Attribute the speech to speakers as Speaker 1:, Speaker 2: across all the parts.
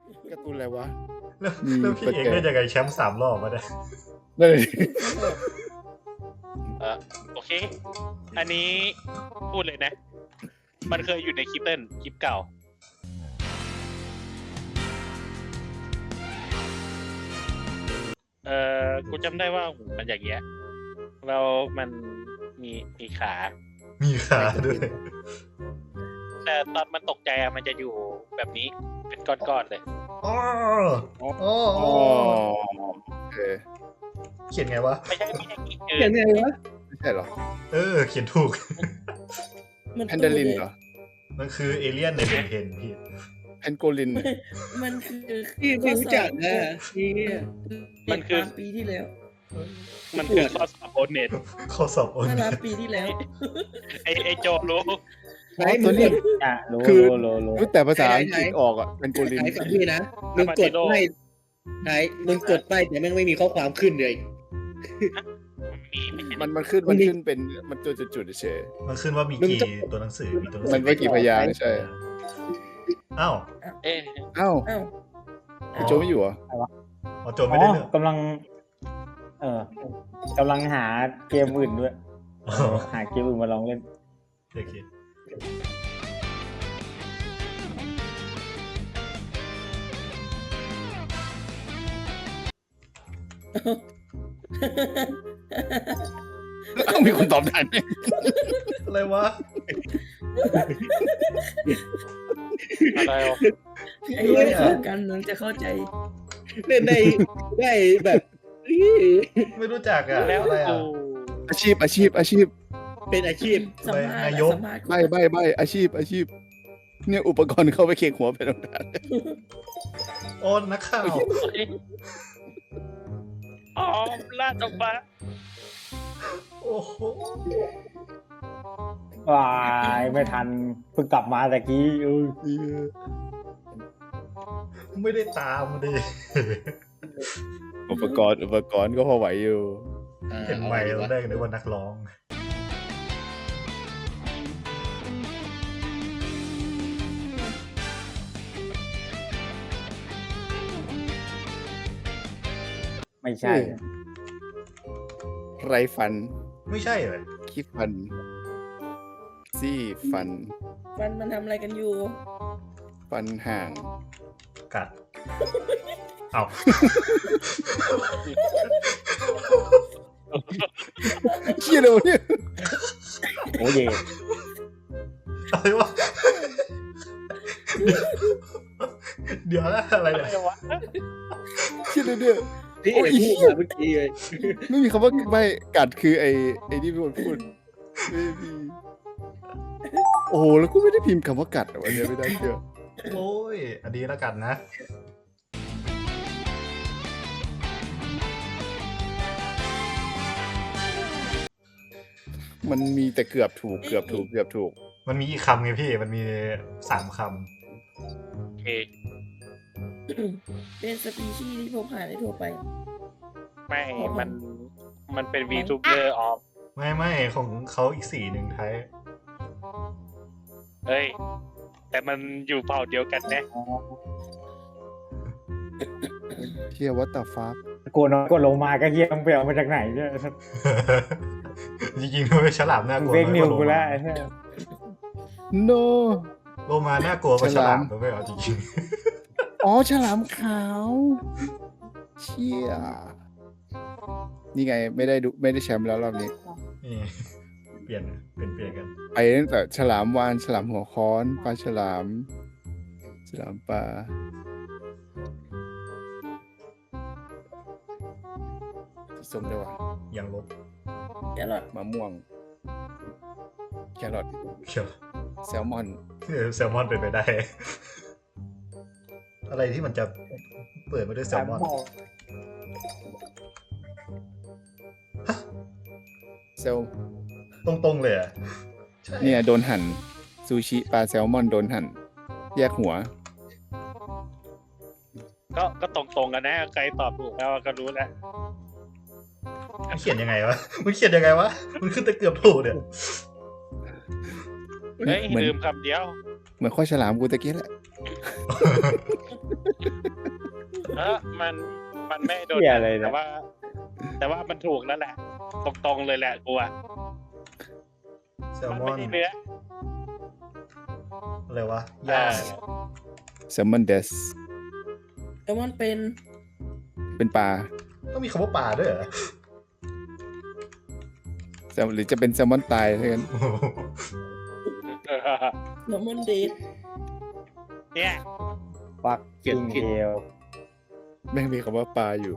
Speaker 1: การ์ตูนอะไรวะ
Speaker 2: แล้วพี่เอกได้ยังไงแชมป์3 รอบมาเนี่ย
Speaker 1: นั่นเลย
Speaker 3: โอเค อันนี้พูดเลยนะ มันเคยอยู่ในคลิปคลิปเก่ากูจำได้ว่าหูมันอย่างเงี้ยแล้วมันมีขา
Speaker 2: มีขาด้วย
Speaker 3: แต่ตอนมันตกใจอะมันจะอยู่แบบนี้เป็นก้อนๆเลย
Speaker 2: อ๋อ
Speaker 1: อ๋อโอเค
Speaker 2: เขียนไงวะ
Speaker 3: ไม่ใช่คือ
Speaker 4: อย่างไงวะ
Speaker 1: ไม่ใช่เหรอ
Speaker 2: เขียนถูก
Speaker 1: แพนเดลินเหรอ
Speaker 2: มันคือเอเลี่ยนในเบนเทนพี่
Speaker 1: แพนโกลิน
Speaker 5: มันคือ
Speaker 4: พี่ไม่รู้จักนะพี่
Speaker 3: มันคือ
Speaker 5: ปีที่แล้ว
Speaker 3: มันคือข้อสอบโอเน็ต
Speaker 2: ข้อสอบโอน
Speaker 5: เมื่อ
Speaker 2: เน็
Speaker 5: ล้าน
Speaker 2: ต
Speaker 5: ปีที่แล้ว
Speaker 3: ไอโจรู้
Speaker 4: ไหน
Speaker 1: ตัวนี้
Speaker 6: คือ
Speaker 1: รู้แต่ภาษาอังกฤษออกอ่ะแพนโกลิน
Speaker 4: ไหนฟังพี่นะมึงกดไม่ไหนมึงกดไปแต่แม่งไม่มีข้อความขึ้นเลย
Speaker 1: มันขึ้นเป็นมันจุดๆเฉย
Speaker 2: มันขึ้นว่ามีกี่ตัวหนังสือ มีตัวหนังสื
Speaker 1: มันไม่กี่พยางค์ใช่
Speaker 2: อ้าว
Speaker 3: เอ๊ะ
Speaker 1: อ้าว
Speaker 5: อ้าว
Speaker 1: โจไม่อยู่เหรอ
Speaker 2: อ๋อโจไม่ได้เลือก
Speaker 6: กำลังหาเกมอื่นด้วย
Speaker 2: อ๋อ
Speaker 6: หาเกมอื่นมาลองเล่น
Speaker 2: โอเค
Speaker 1: เอ้ามีคนตอบทัน
Speaker 2: อะไรวะ
Speaker 3: อะไรวะ
Speaker 5: ไอ้เรื่องของการเมืองจะเข้าใจ
Speaker 4: เล่นได้แบบ
Speaker 2: ไม่รู้จักอ่ะ
Speaker 3: แล้ว
Speaker 2: อะไร
Speaker 3: กู
Speaker 2: อ่ะ
Speaker 1: อาชีพ
Speaker 4: เป็นอาชีพ
Speaker 5: สัมภาษณ์
Speaker 2: นายก
Speaker 5: สัมภาษณ์
Speaker 1: ใบอาชีพ เนี่ยอุปกรณ์เข้าไปเคียงหัวเป็นตรงนั้น
Speaker 2: โอ้นักข่าว
Speaker 3: อ๋อลาดออกมา
Speaker 2: โอ้โห
Speaker 6: ว้ายไม่ทันเพิ่งกลับมาตะกี้
Speaker 2: ไม่ได้ตามดิ
Speaker 1: อุปกรณ์ก็พอไหวอยู่
Speaker 2: เห็นไมค์เราได้นึกว่านักร้อง
Speaker 6: ไม่ใช่
Speaker 1: ไรฟัน
Speaker 2: ไม่ใช่เลย
Speaker 1: คิดฟัน ซี่ฟัน
Speaker 5: มันทำอะไรกันอยู่
Speaker 1: ฟันห่าง
Speaker 2: กัด เอา
Speaker 1: เชี่ยเลยวะเนี่ย
Speaker 6: โอ้เย่
Speaker 2: อะไรวะ เดี๋ยวนะอะไร
Speaker 3: อะไร
Speaker 2: เนี่ย
Speaker 3: วะ
Speaker 1: เชี่ยเลยเนี่ย
Speaker 4: พี่เอกพูดมาเมื่อกี้เลย
Speaker 1: ไม่มีคำว่าไม่กัดคือไอ้ที่พี่คนพูดไม่มีโอ้โหแล้วกูไม่ได้พิมพ์คำว่ากัดอะวันนี้ไม่ได้เชื่อ
Speaker 2: โอ้ย อันนี้แล้วกันนะ
Speaker 1: มันมีแต่เกือบถูก
Speaker 2: มันมีอีกคำไงพี่ มันมี3 ค
Speaker 3: โอเค
Speaker 5: เป็นสปีชีส์ที่พบหาได้ทั่วไป
Speaker 3: ไม่มันเป็น VTuber ออฟ
Speaker 2: ำไม่ของเขาอีก4 หนึ่งไทย
Speaker 3: เฮ้ย แต่มันอยู่เผ่าเดียวกันนะ
Speaker 1: เชี่ยวัตตาฟ้า
Speaker 6: กลัวน้อยกว่าลงมาก็เฮียมงไปเอามาจากไหนเนี่ย
Speaker 2: จริงๆด้วยฉลามน่ากลัว
Speaker 6: เฟกนิว
Speaker 2: น้อย
Speaker 6: กู
Speaker 2: ว่า
Speaker 6: แล้ว
Speaker 1: โน
Speaker 2: โลมาน่ากลัวกว่าฉลามด้วยเอาจริง
Speaker 1: อ๋อฉลามขาว เชี่ยนี่ไงไม่ได้แชมป์แล้วรอบนี้
Speaker 2: ๆนี่เปลี่ยนกัน
Speaker 1: ไปตั้งแต่ฉลามวานฉลามหัวค้อนปลาฉลามปลาส้มด้วยวะ
Speaker 2: ยังลบ
Speaker 5: แครอท
Speaker 1: มะม่วงแครอท
Speaker 2: เขียว
Speaker 1: แซลมอน
Speaker 2: แซลมอนเป็นไปได้ อะไรที่มันจะเปิดมาด้วยแซลมอน
Speaker 1: เซล
Speaker 2: ตรงๆเลยอ่ะใช่
Speaker 1: เนี่ยโดนหั่นซูชิปลาแซลมอนโดนหั่นแยกหัว
Speaker 3: ก็ตรงๆกันนะ ใครตอบถูกแล้วก็รู้แล้ว
Speaker 2: มันเขียนยังไงวะ มันเขียนยังไงวะ มันขึ้นแต่เกือบถูกเนี่ย
Speaker 3: เฮ้ย
Speaker 1: เหมือน
Speaker 3: ลืมคำเดียว
Speaker 1: เหมือนข้อฉลามกูตะกี้แหละ
Speaker 3: มันไม่โดน
Speaker 6: เหี้ยอะไรเนี่ย
Speaker 3: แต่ว่ามันถูกแล้วแหละ ตรงๆเลยแหละกูอะ
Speaker 2: แซล
Speaker 3: มัน
Speaker 2: มอ
Speaker 3: ไม่
Speaker 2: น
Speaker 3: ใช่เนื้อ
Speaker 2: อะไรวะย่า
Speaker 1: แซลมอนเดส
Speaker 5: แต่มันเป็น
Speaker 1: เป็นปลา
Speaker 2: ต้องมีคำว่าปลาด้วยเหรอ
Speaker 1: หรือจะเป็นแซลมอนตายเท่านั้น
Speaker 2: โอ้โห
Speaker 5: แล้วมันเดท
Speaker 3: เนี่ย
Speaker 6: ฟักกิ้งเฮล
Speaker 1: แม่งมีคำว่าปลาอยู่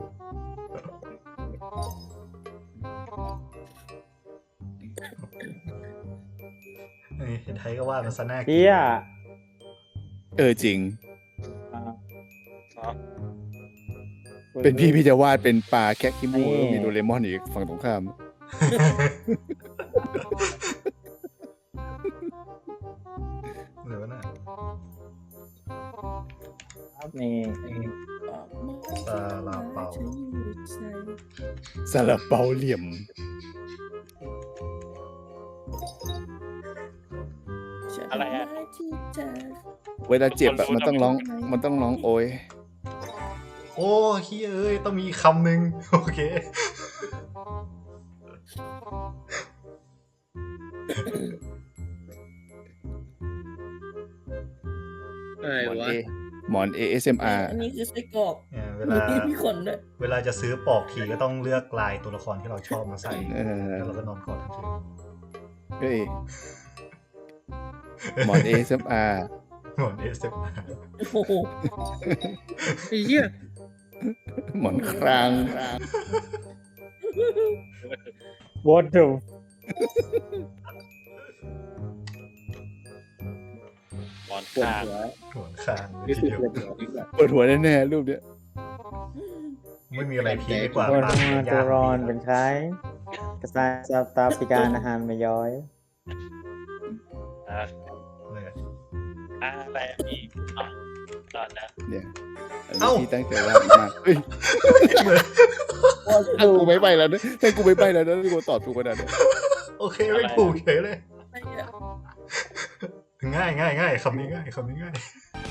Speaker 2: นี่เห็นไทยก็ว่ามันซะน่ากิน
Speaker 6: เฮีย
Speaker 1: จริง
Speaker 6: อ่า
Speaker 3: อ๋อ
Speaker 1: เป็นพี่จะวาดเป็นปลาแคะขี้มูกแล้วมีโดเรมอนอีกฝั่งตรงข้าม
Speaker 2: หรือว่าน่ะ
Speaker 6: นี่
Speaker 2: ซาลาเปา
Speaker 1: ซาลาเปาเหลี่ยม
Speaker 3: อะไรอะ
Speaker 1: เวลาเจ็บอะมันต้องร้องโอย
Speaker 2: โอ้เฮ้ยเอ้ยต้องมีคำหนึ่งโอเค
Speaker 4: อะไร
Speaker 1: หมอน
Speaker 4: วะ
Speaker 1: เอหมอน ASMR
Speaker 5: อันนี้คือไส้กรอก
Speaker 2: เนี่ยเว
Speaker 5: มี
Speaker 2: ลา
Speaker 5: มีขนด้วย
Speaker 2: เวลาจะซื้อปอกทีก็ต้องเลือกลายตัวละครที่เราชอบมาใส่
Speaker 1: เออ
Speaker 2: แล้วเราก็นอนกอดทั้งคืน
Speaker 1: เฮ้ยหมอน ASMR
Speaker 2: หมอนเอสเอฟ
Speaker 5: โอ้โห
Speaker 4: ไอ้เหี้ย
Speaker 1: หมอนคราง
Speaker 6: วอเตอร์
Speaker 3: หมอน
Speaker 4: ปวด
Speaker 3: ข้าง
Speaker 4: หัว
Speaker 2: หมอนคาง
Speaker 4: รู้
Speaker 2: ที
Speaker 4: สึก
Speaker 2: เดียว
Speaker 4: ปวดหัวดีกว่า
Speaker 1: ปวดหัวแน่ๆรูปเนี้ย
Speaker 2: ไม่มีอะไรพีคกว่า
Speaker 6: ตัว
Speaker 2: ปาก
Speaker 6: มาตัวร้อนเป็นใครกระซายซาตาปิการอาหารไม่ย้อย
Speaker 3: อ่ะ
Speaker 2: เลย
Speaker 3: อะไรอีกอ๋อตอนนะ
Speaker 1: เนี่ยอันนี้ที่ตั้งใจวาดมากเฮ้ยถ้ากูไม่ไปแล้วนะถ้ากูไม่ไปแล้วนะกูตอบถูกขนาดนี้
Speaker 2: โอเคไม่ถูกเฉยเลย
Speaker 5: อะไรอะ
Speaker 2: ง่ายง่ายง่ายคำนี้ง่ายคำนี้ง่าย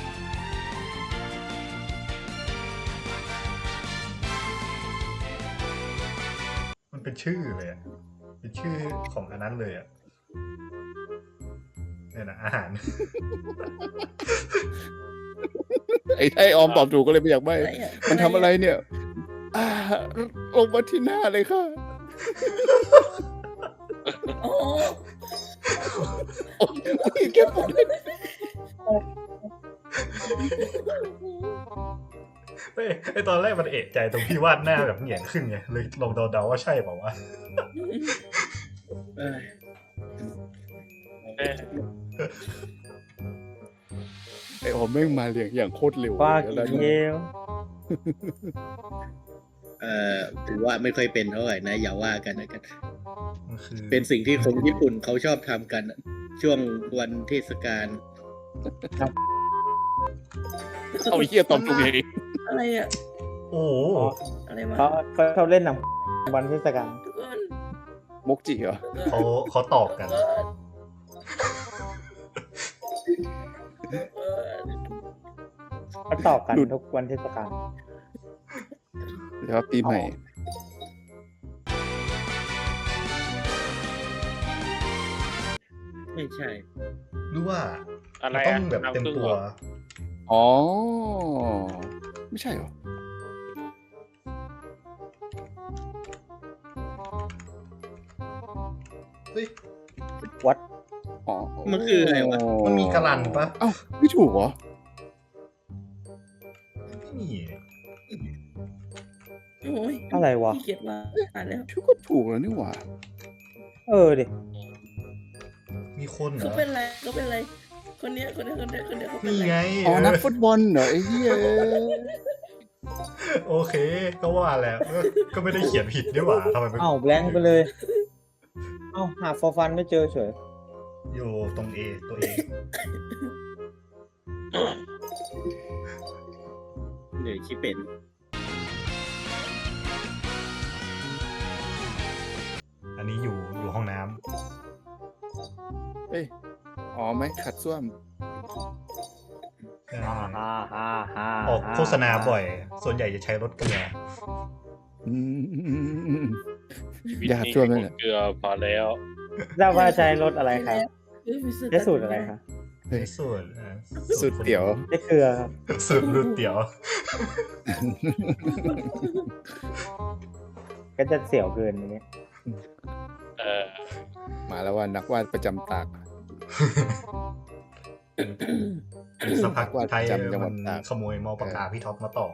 Speaker 2: มันเป็นชื่อเลยอะเป็นชื่อของอันนั้นเลยอ่ะเนี่ยนะอาหาร
Speaker 1: ไอ้ออมตอบถูกก็เลยไม่อยากใบ
Speaker 5: อะไรอะ
Speaker 1: มันทำอะไรเนี่ยลงมาที่หน้าเลยค่ะ
Speaker 5: โอ้
Speaker 1: โอ้ยแก้ปวดเลย
Speaker 2: เฮ้ยไอตอนแรกมันเอะใจตรงที่วาดหน้าแบบเหงียนขึ้นไงเลยลองเดาๆว่าใช่เปล่าวะ
Speaker 4: เออ
Speaker 3: เออ
Speaker 1: ไอ้ออมแม่งมาเรียงอย่างโคตรเร็ว
Speaker 6: ฟัก
Speaker 1: แล้ว
Speaker 6: กิ้งเฮล
Speaker 4: ถือว่าไม่ค่อยเป็นเท่าไหร่นะ อย่าว่ากันนะกัน
Speaker 2: มันคือ
Speaker 4: เป็นสิ่งที่คนญี่ปุ่นเขาชอบทำกัน ช่วงวันเทศกาล
Speaker 1: เอาไอ้เหี้ยตอบถูกเอง
Speaker 5: อะไรอะ
Speaker 2: โอ้โห
Speaker 5: อะไรวะ
Speaker 6: เขาเล่นหนังวันเทศกาล
Speaker 5: ทุกคน
Speaker 1: มกจิเหรอ
Speaker 2: เขาตอบกัน
Speaker 6: เขาตอบกันทุกวันเทศกาล
Speaker 1: หรือว่าปีใหม่
Speaker 4: ไม่ใช่
Speaker 2: หรือว่า
Speaker 3: อะไร
Speaker 2: มันต้
Speaker 3: อะ
Speaker 2: องแบบเต็มตัว
Speaker 1: อ๋อ ไม่ใช่เหรอ
Speaker 2: เฮ้ย
Speaker 6: วัด
Speaker 1: อ๋อ
Speaker 4: มันคืออะไรวะ
Speaker 2: มันมีกระลันปะ
Speaker 1: เอ้าไม่ถูกเหรอ
Speaker 2: ไม่มี
Speaker 5: โอ้ย
Speaker 6: อะไรวะ
Speaker 5: ขี้เกียจมาอ่านแล้ว
Speaker 1: ชื่อก็ถูกแล้วนี่หว่า
Speaker 6: ดิ
Speaker 2: มีคนเหร
Speaker 5: เขา
Speaker 2: อ
Speaker 5: เป็นอะไรเขาเป็นอะไร คนเนี้ยเขาเป็น
Speaker 2: นี่
Speaker 5: อะไร
Speaker 2: ไง
Speaker 1: อ๋อ นักฟุตบอลเหรอไอ้เหี้ย
Speaker 2: โอเค ก็ว่าแล้วก็ไม่ได้เขียนผิดด้วยหว่าทำไมเป็น
Speaker 6: เอ้าแบงค์ไปเลย เอ้าหาฟอร์ฟันไม่เจอเฉย
Speaker 2: อยู่ตรง A ตัว A
Speaker 4: เหนื่อยชิเป็น
Speaker 2: อันนี้อยู่ห้องน้
Speaker 1: เอ้ยอ๋อไหมขัดส้วม
Speaker 6: ฮ่าฮ่าฮ่าฮ่า
Speaker 2: ออกโฆษณาบ่อย ส่วนใหญ่จะใช้รถเกลือ
Speaker 1: อืม
Speaker 3: ชีวิต
Speaker 1: อย่า
Speaker 3: นี้
Speaker 1: ช่วยมันเลย
Speaker 3: เกลือพอแล้ว
Speaker 6: ทราบว่าใช้รถอะไรครับ
Speaker 5: มี
Speaker 6: ใช้สูตรอะไรครับ
Speaker 2: ในส่วน
Speaker 1: สุดเตี๋ยว
Speaker 6: ใช้เกลือครับ
Speaker 2: สูตรรูดเตี๋ยว
Speaker 6: ก็จะเสี่ยวเกินอย่างเงี้ย
Speaker 3: เออ
Speaker 1: มาแล้วว่านักวาดประจำตาก
Speaker 2: สักพักไทย
Speaker 1: จำจังหวั
Speaker 2: มั
Speaker 1: ด
Speaker 2: น
Speaker 1: ตาก
Speaker 2: ขโมยมอปากกาพี่ท็อปมาต่อ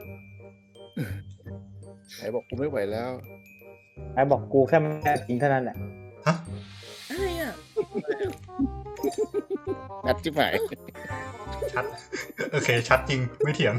Speaker 1: ไหนบอกกูไม่ไหวแล้ว
Speaker 6: ไอ้บอกกูแค่ไม่ได้จริงเท่านั้นแหละ
Speaker 2: ฮะ
Speaker 5: อะไรอ่ะ
Speaker 1: นัดที่ไหน
Speaker 2: ชัด โอเค ชัดจริง ไม่เถียง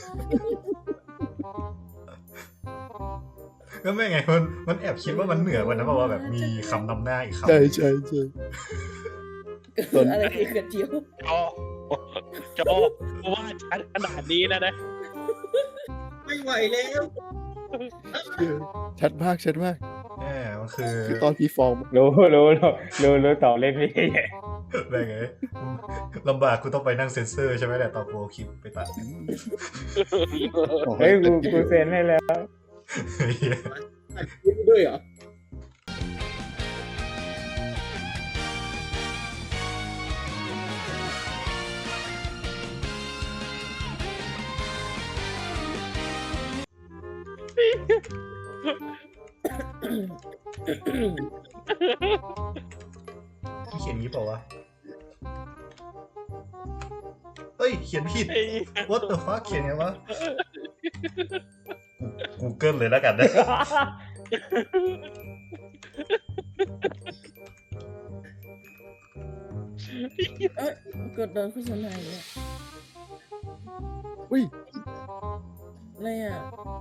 Speaker 2: ก็ไม่ไง มันแอบคิดว่ามันเหนือกว่านะเพราะว่าแบบมีคำนำหน้าอีกคำ
Speaker 1: ใช่ใช่ใช่
Speaker 5: อะไรคือกระเจียว
Speaker 3: โจกูว่าชัดขนาดนี้แล้วนะ
Speaker 4: ไม่ไหวแล้ว
Speaker 1: ชัดมากชัดมาก
Speaker 2: มันคือ
Speaker 1: คือตอนพี่ฟอง
Speaker 6: รู้ต่อเล่นพี่
Speaker 2: อะไรไงลำบากกูต้องไปนั่งเซ็นเซอร์ใช่ไหมแต่ตอนกูเอาคลิปไปตัด
Speaker 6: เฮ้ยกูเซ็นให้แล้ว
Speaker 4: คิดด้วยเหรอ
Speaker 2: เขียนงี้เปล่าวะ เฮ้ย เขียนผิด What the fuck เขียนไงวะ Google เลยแล้วกันนะ
Speaker 5: เอ้ยกดโดนโฆษณาอีกแล้ว
Speaker 1: อุ้ย
Speaker 5: อะไรอ่ะ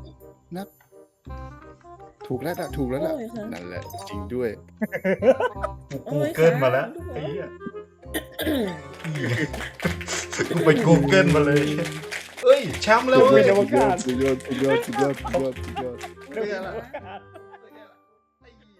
Speaker 1: ถูกแล้วนะถูกแล้วนะ
Speaker 5: โอ้ยค่ะ
Speaker 1: นั่นแหละจริงด้วย
Speaker 2: Google มาแล้วไอ้เหี้ยกูไป Google มาเลย เอ้ยแชมป์แล้วเว้ย
Speaker 6: อวกาศ
Speaker 1: สุดยอดสุดยอดสุดยอดสุดยอดสุดยอด
Speaker 2: เนี่ยแหละ
Speaker 6: อวกาศ